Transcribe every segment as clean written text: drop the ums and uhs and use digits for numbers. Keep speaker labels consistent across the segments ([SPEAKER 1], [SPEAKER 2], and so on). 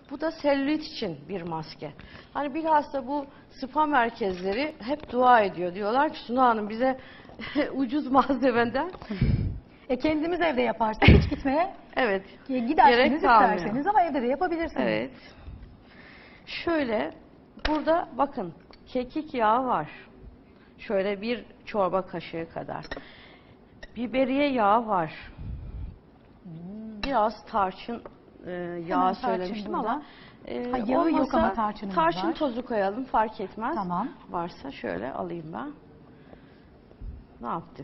[SPEAKER 1] Bu da selülit için bir maske. Hani bilhassa bu spa merkezleri hep dua ediyor. Diyorlar ki Suna Hanım bize ucuz malzemeden.
[SPEAKER 2] Kendimiz evde yaparsak hiç gitmeye
[SPEAKER 1] Evet.
[SPEAKER 2] Giderseniz
[SPEAKER 1] kalmıyor.
[SPEAKER 2] isterseniz ama evde de yapabilirsiniz.
[SPEAKER 1] Evet. Şöyle burada bakın kekik yağı var. Şöyle bir çorba kaşığı kadar. Biberiye yağı var. Biraz tarçın yağı söylemiştim ama
[SPEAKER 2] yağı yok ama tarçınımız var.
[SPEAKER 1] Tarçın tozu koyalım fark etmez.
[SPEAKER 2] Tamam.
[SPEAKER 1] Varsa şöyle alayım ben. Ne yaptık?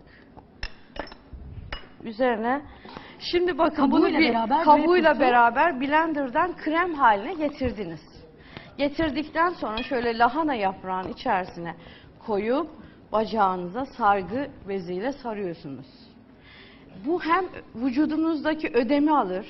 [SPEAKER 1] Üzerine şimdi bakın bunu kabuğuyla beraber blenderdan krem haline getirdiniz. Getirdikten sonra şöyle lahana yaprağının içerisine koyup bacağınıza sargı beziyle sarıyorsunuz. Bu hem vücudunuzdaki ödemi alır.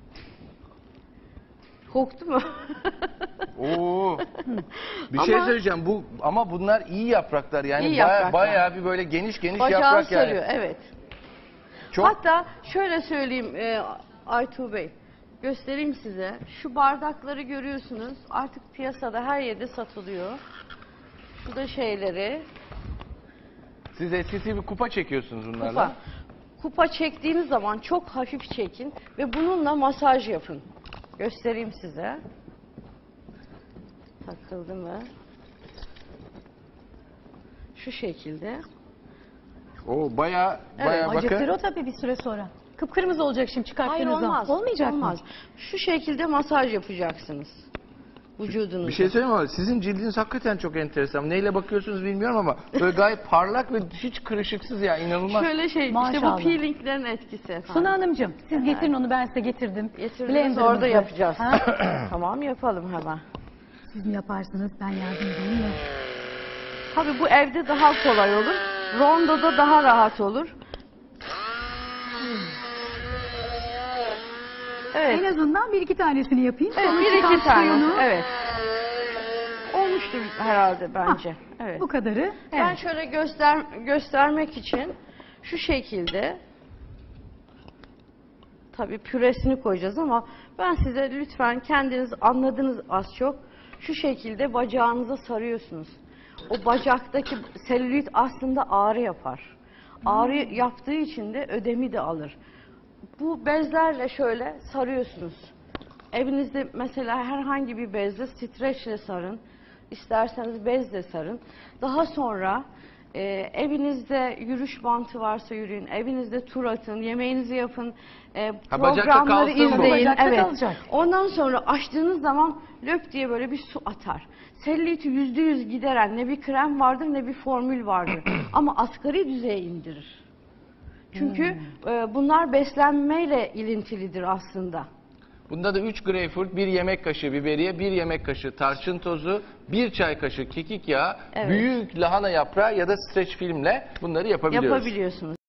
[SPEAKER 1] Koktu mu?
[SPEAKER 3] Oo. Bir şey söyleyeceğim. Ama bunlar iyi yapraklar yani
[SPEAKER 1] İyi yapraklar.
[SPEAKER 3] bayağı bir böyle geniş
[SPEAKER 1] Bacağı
[SPEAKER 3] yaprak
[SPEAKER 1] sarıyor,
[SPEAKER 3] yani.
[SPEAKER 1] evet.
[SPEAKER 3] Çok...
[SPEAKER 1] Hatta şöyle söyleyeyim Aytuğ Bey, göstereyim size. Şu bardakları görüyorsunuz. Artık piyasada her yerde satılıyor. Şu da şeyleri.
[SPEAKER 3] Siz eskisi bir kupa çekiyorsunuz bunlarla.
[SPEAKER 1] Kupa çektiğiniz zaman çok hafif çekin ve bununla masaj yapın. Göstereyim size. Takıldı mı? Şu şekilde.
[SPEAKER 3] O bayağı
[SPEAKER 2] Acıktır
[SPEAKER 3] bakın.
[SPEAKER 2] o tabii bir süre sonra. Kıpkırmızı olacak şimdi çıkarttığınız
[SPEAKER 1] Hayır
[SPEAKER 2] zaman.
[SPEAKER 1] olmaz.
[SPEAKER 2] Olmayacak
[SPEAKER 1] olmaz.
[SPEAKER 2] mı?
[SPEAKER 1] Şu şekilde masaj yapacaksınız. Vücudunuza.
[SPEAKER 3] Bir şey söyleyeyim ama sizin cildiniz hakikaten çok enteresan. Neyle bakıyorsunuz bilmiyorum ama böyle gayet parlak ve hiç kırışıksız ya, inanılmaz.
[SPEAKER 1] Şöyle işte
[SPEAKER 2] Maşallah.
[SPEAKER 1] bu peelinglerin etkisi efendim.
[SPEAKER 2] Suna Hanımcığım siz getirin onu, ben size getirdim.
[SPEAKER 1] Getirdiniz,
[SPEAKER 2] Blender'ımızı.
[SPEAKER 1] orada yapacağız.
[SPEAKER 2] Ha?
[SPEAKER 1] Tamam, yapalım hemen.
[SPEAKER 2] Siz mi yaparsınız, ben yardım edeyim mi?
[SPEAKER 1] Tabii bu evde daha kolay olur. Rondoda daha rahat olur. Evet.
[SPEAKER 2] En azından bir iki tanesini yapayım.
[SPEAKER 1] Evet,
[SPEAKER 2] Sonra
[SPEAKER 1] bir iki
[SPEAKER 2] çıkan
[SPEAKER 1] tane.
[SPEAKER 2] suyunu-
[SPEAKER 1] Evet. Olmuştur herhalde bence. Evet.
[SPEAKER 2] Bu kadarı.
[SPEAKER 1] Ben
[SPEAKER 2] Evet.
[SPEAKER 1] şöyle göstermek için şu şekilde, tabii püresini koyacağız ama ben size lütfen kendiniz anladınız az çok. Şu şekilde bacağınıza sarıyorsunuz. O bacaktaki selülit aslında ağrı yapar. Ağrı yaptığı için de ödemi de alır. Bu bezlerle şöyle sarıyorsunuz. Evinizde mesela herhangi bir bezle streçle sarın. İsterseniz bezle sarın. Daha sonra evinizde yürüyüş bantı varsa yürüyün. Evinizde tur atın, yemeğinizi yapın.
[SPEAKER 3] bacakta
[SPEAKER 1] Programları
[SPEAKER 3] kalsın bu.
[SPEAKER 1] izleyin.
[SPEAKER 2] Bacakta
[SPEAKER 1] Evet.
[SPEAKER 2] kalacak.
[SPEAKER 1] Ondan sonra açtığınız zaman löp diye böyle bir su atar. Selüliti %100 gideren ne bir krem vardır ne bir formül vardır. Ama asgari düzeye indirir. Çünkü bunlar beslenmeyle ilintilidir aslında.
[SPEAKER 3] Bunda da 3 greyfurt, 1 yemek kaşığı biberiye, 1 yemek kaşığı tarçın tozu, 1 çay kaşığı kekik yağı,
[SPEAKER 1] Evet.
[SPEAKER 3] büyük lahana yaprağı ya da streç filmle bunları yapabiliyoruz.
[SPEAKER 1] Yapabiliyorsunuz.